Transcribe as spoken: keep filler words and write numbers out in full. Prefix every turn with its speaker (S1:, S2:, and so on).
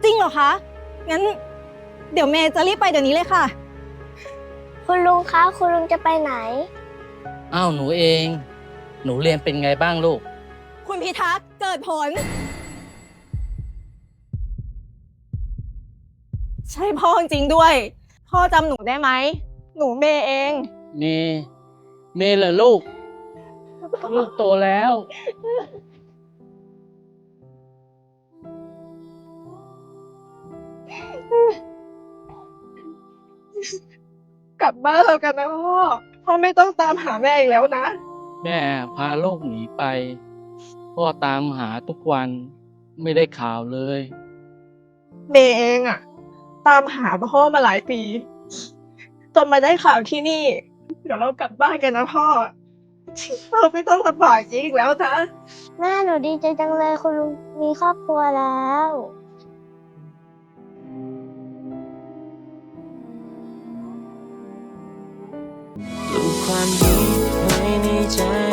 S1: จริงเหรอคะ งั้น เดี๋ยวเมย์จะรีบไปเดี๋ยวนี้เลยค่ะ
S2: คุณลุงคะคุณลุงจะไปไหน
S3: อ้าวหนูเอง หนูเรียนเป็นไงบ้างลูก
S1: คุณพิทักษ์เกิดผล ใช่พ่อจริงด้วย พ่อจำหนูได้ไหม หนูเมย์เอง
S3: เมย์เมย์เหรอลูก ลูกโตแล้ว
S1: กลับบ้านเรากันนะพ่อ พ่อไม่ต้องตามหาแม่อีกแล้วนะ
S3: แม่พาลูกหนีไป พ่อตามหาทุกวันไม่ได้ข่าวเลย
S1: เมย์เองอะตามหาพ่อมาหลายปีจนมาได้ข่าวที่นี่ เดี๋ยวเรากลับบ้านกันนะพ่อ เราไม่ต้องลำบากอีกแล้วนะ
S2: แม่หนูดีใจจังเลยคุณลุงมีครอบครัวแล้ว
S4: ปลูกความดีไว้ในใจ